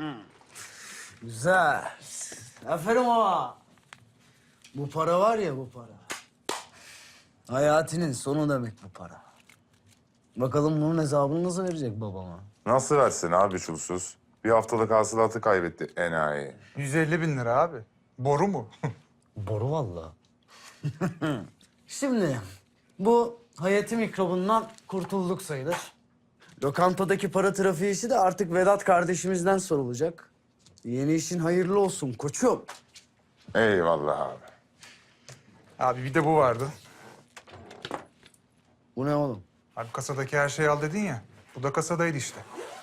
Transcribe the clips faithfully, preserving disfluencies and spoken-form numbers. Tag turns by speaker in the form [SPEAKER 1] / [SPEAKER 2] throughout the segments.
[SPEAKER 1] Güzel. Aferin ama. Bu para var ya bu para. Hayatının sonu demek bu para. Bakalım bunun hesabını nasıl verecek babama?
[SPEAKER 2] Nasıl versin abi çulsuz? Bir haftalık hasılatı kaybetti enayi.
[SPEAKER 3] yüz elli bin lira abi. Boru mu?
[SPEAKER 1] Boru vallahi. Şimdi bu Hayati mikrobundan kurtulduk sayılır. Lokantadaki para trafiği işi de artık Vedat kardeşimizden sorulacak. Yeni işin hayırlı olsun koçum.
[SPEAKER 2] Eyvallah abi.
[SPEAKER 3] Abi bir de bu vardı.
[SPEAKER 1] Bu ne oğlum?
[SPEAKER 3] Abi kasadaki her şeyi al dedin ya. Bu da kasadaydı işte.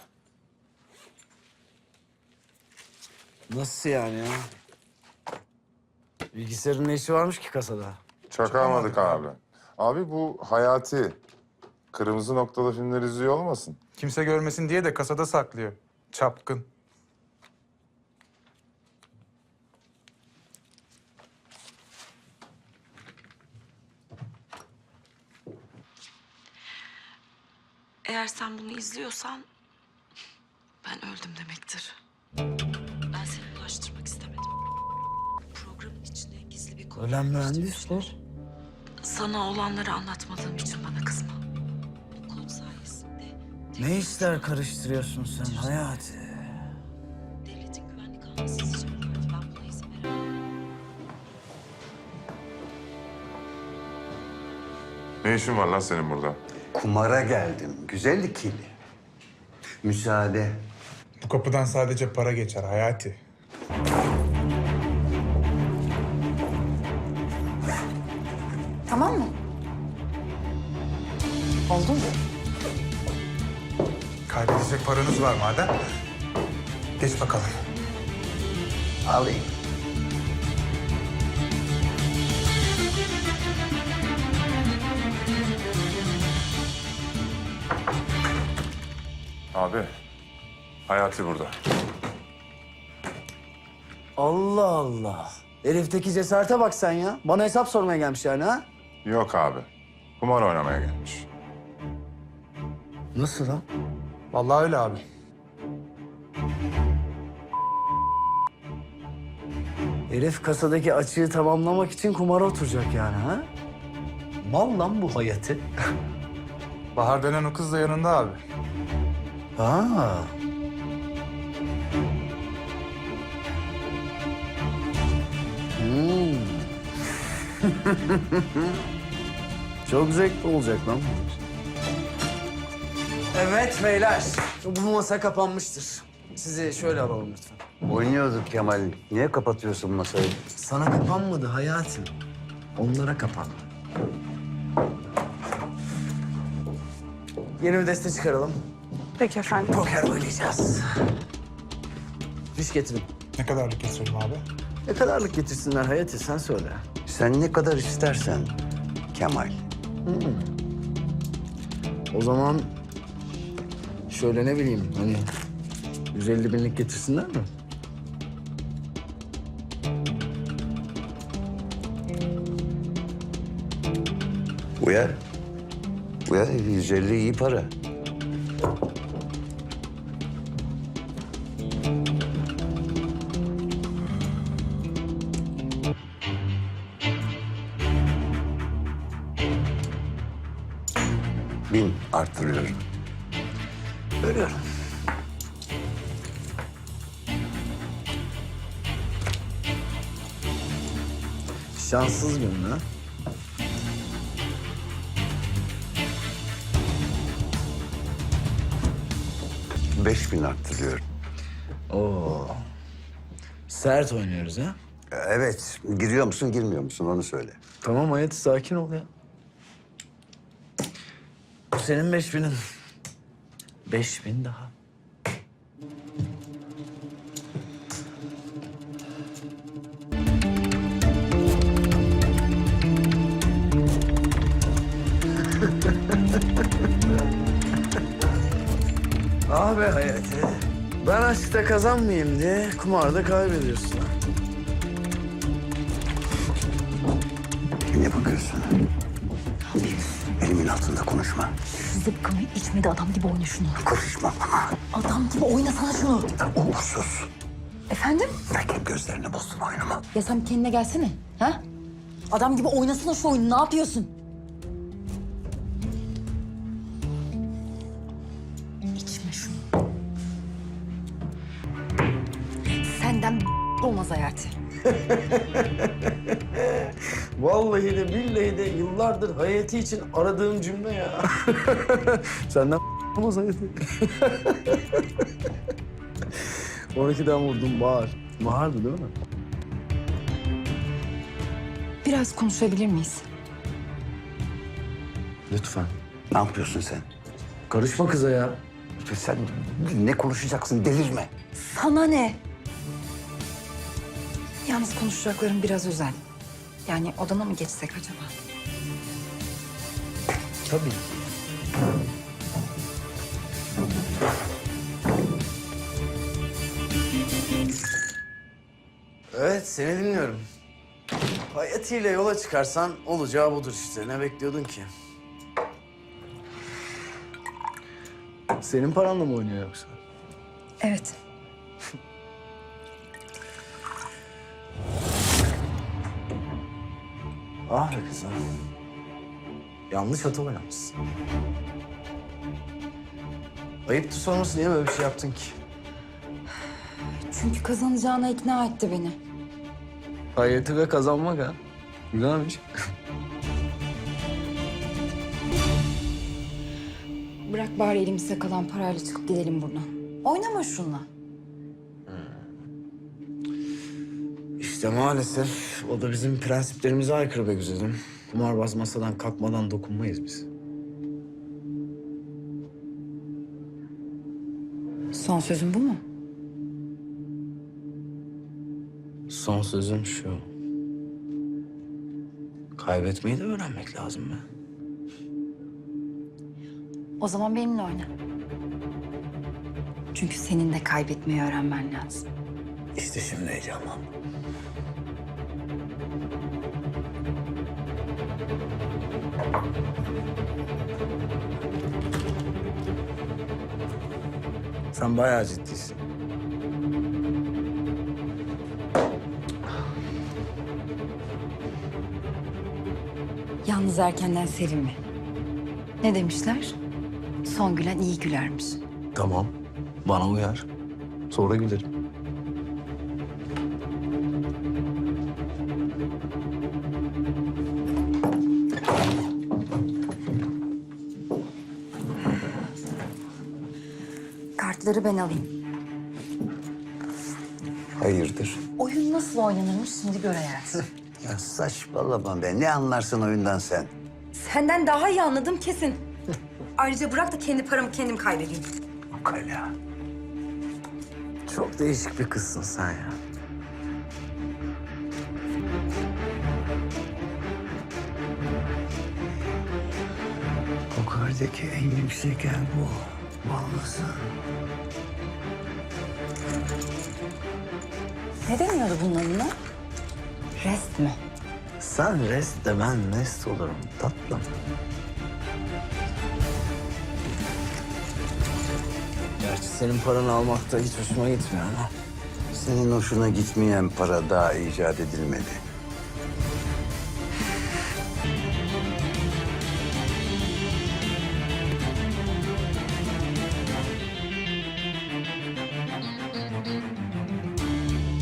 [SPEAKER 1] Nasıl yani ya? Bilgisayarın ne işi varmış ki kasada?
[SPEAKER 2] Çakamadık abi. Abi bu Hayati. Kırmızı noktalı filmler izliyor olmasın?
[SPEAKER 3] Kimse görmesin diye de kasada saklıyor. Çapkın.
[SPEAKER 4] Eğer sen bunu izliyorsan ben öldüm demektir. Ben seni ulaştırmak istemedim. Programın içine gizli bir konu
[SPEAKER 1] Ölen mühendis bu.
[SPEAKER 4] yerleştirmişler. Sana olanları anlatmadığım için bana kızma. Bu kod sayesinde...
[SPEAKER 1] Ne işler karıştırıyorsun sen Hayati?
[SPEAKER 4] Devletin güvenlik alması isteyeceklerdi. Ben buna izin veremem.
[SPEAKER 2] Ne işin var lan senin burada?
[SPEAKER 5] Kumara geldim. Güzel ikili. Müsaade.
[SPEAKER 3] Bu kapıdan sadece para geçer Hayati.
[SPEAKER 6] Tamam mı? Oldu mu?
[SPEAKER 3] Kaybedecek paranız var madem. Geç bakalım.
[SPEAKER 5] Alayım.
[SPEAKER 2] Abi, Hayati burada.
[SPEAKER 1] Allah Allah. Herifteki cesarete bak sen ya. Bana hesap sormaya gelmiş yani ha?
[SPEAKER 2] Yok abi. Kumar oynamaya gelmiş.
[SPEAKER 1] Nasıl lan?
[SPEAKER 3] Vallahi öyle abi.
[SPEAKER 1] Herif kasadaki açığı tamamlamak için kumara oturacak yani ha? Mal lan bu Hayati.
[SPEAKER 3] Bahar denen o kız da yanında abi.
[SPEAKER 1] Ha. Hmm. Çok zevkli olacak lan bu. Evet beyler, bu masa kapanmıştır. Sizi şöyle alalım lütfen.
[SPEAKER 5] Oynuyorduk Kemal. Niye kapatıyorsun masayı?
[SPEAKER 1] Sana kapanmadı hayatım. Onlara kapandı. Yeni bir deste çıkaralım.
[SPEAKER 6] Peki efendim.
[SPEAKER 1] Poker oynayacağız. Fiş getirin.
[SPEAKER 3] Ne kadarlık geçirelim abi?
[SPEAKER 1] Ne kadarlık getirsinler Hayati sen söyle.
[SPEAKER 5] Sen ne kadar istersen Kemal.
[SPEAKER 1] O zaman şöyle ne bileyim hani yüz elli binlik getirsinler mi?
[SPEAKER 5] Uyar. Uyar. yüz elli iyi para. Bin arttırıyorum.
[SPEAKER 1] Görüyorum. Şanssız gün ha.
[SPEAKER 5] Beş bin arttırıyorum.
[SPEAKER 1] Oo. Sert oynuyoruz ha.
[SPEAKER 5] Evet. Giriyor musun, girmiyor musun onu söyle.
[SPEAKER 1] Tamam Hayati sakin ol ya. Bu senin beş binin. Beş bin daha. Ah be Hayati. Ben aşkta kazanmayayım diye kumarda kaybediyorsun.
[SPEAKER 5] Ne bakıyorsun? Elimin altında konuşma.
[SPEAKER 7] Zıpkımı içmedi, adam gibi oyna şunu.
[SPEAKER 5] Konuşma.
[SPEAKER 7] Adam gibi oynasana şunu.
[SPEAKER 5] Uğursuz.
[SPEAKER 7] Efendim?
[SPEAKER 5] Belki gözlerini bozdun oyunumu.
[SPEAKER 7] Ya sen bir kendine gelsene. Ha? Adam gibi oynasana şu oyunu. Ne yapıyorsun? İçme şunu. Senden olmaz Hayati.
[SPEAKER 1] Vallahi de billahi de yıllardır Hayati için aradığım cümle ya. Senden olmaz Hayati. on ikiden vurdum Bahar. Bahar'dı değil mi?
[SPEAKER 7] Biraz konuşabilir miyiz?
[SPEAKER 1] Lütfen.
[SPEAKER 5] Ne yapıyorsun sen?
[SPEAKER 1] Karışma kıza ya.
[SPEAKER 5] Sen ne konuşacaksın? Delirme.
[SPEAKER 7] Sana ne? Yalnız konuşacaklarım biraz özel. Yani odana mı geçsek acaba?
[SPEAKER 1] Tabii. Evet, seni dinliyorum. Hayati ile yola çıkarsan olacağı budur işte. Ne bekliyordun ki? Senin paranla mı oynuyor yoksa?
[SPEAKER 7] Evet.
[SPEAKER 1] Ah be kızım. Yanlış hata oynamışsın. Ayıptır sorması, niye böyle bir şey yaptın ki?
[SPEAKER 7] Çünkü kazanacağına ikna etti beni.
[SPEAKER 1] Hayati ve kazanmak ha. Güzelmiş.
[SPEAKER 7] Bırak bari elimize kalan parayla çıkıp gidelim buradan. Oynama şunla.
[SPEAKER 1] İşte maalesef o da bizim prensiplerimize aykırı be güzelim. Kumarbaz masadan kalkmadan dokunmayız biz.
[SPEAKER 7] Son sözün bu mu?
[SPEAKER 1] Son sözüm şu. Kaybetmeyi de öğrenmek lazım be.
[SPEAKER 7] O zaman benimle oyna. Çünkü senin de kaybetmeyi öğrenmen lazım.
[SPEAKER 1] İşte şimdi heyecanlandım. Sen bayağı ciddisin.
[SPEAKER 7] Yalnız erkenden sevinme. Ne demişler? Son gülen iyi gülermiş.
[SPEAKER 1] Tamam. Bana uyar. Sonra gülerim.
[SPEAKER 7] Kartları ben alayım.
[SPEAKER 5] Hayırdır?
[SPEAKER 7] Oyun nasıl oynanırmış şimdi gör hayatım.
[SPEAKER 5] Ya saçmalama be. Ne anlarsın oyundan sen?
[SPEAKER 7] Senden daha iyi anladım kesin. Ayrıca bırak da kendi paramı kendim kaybedeyim.
[SPEAKER 5] Ukala.
[SPEAKER 1] Çok değişik bir kızsın sen ya.
[SPEAKER 5] Yukarıdaki en yüksek yer bu. Vallahi.
[SPEAKER 7] Ne deniyordu bunun adına? Rest mi?
[SPEAKER 1] Sen rest de ben nest olurum tatlım. Gerçi senin paranı almak da hiç hoşuma gitmiyor ama.
[SPEAKER 5] Senin hoşuna gitmeyen para daha icat edilmedi.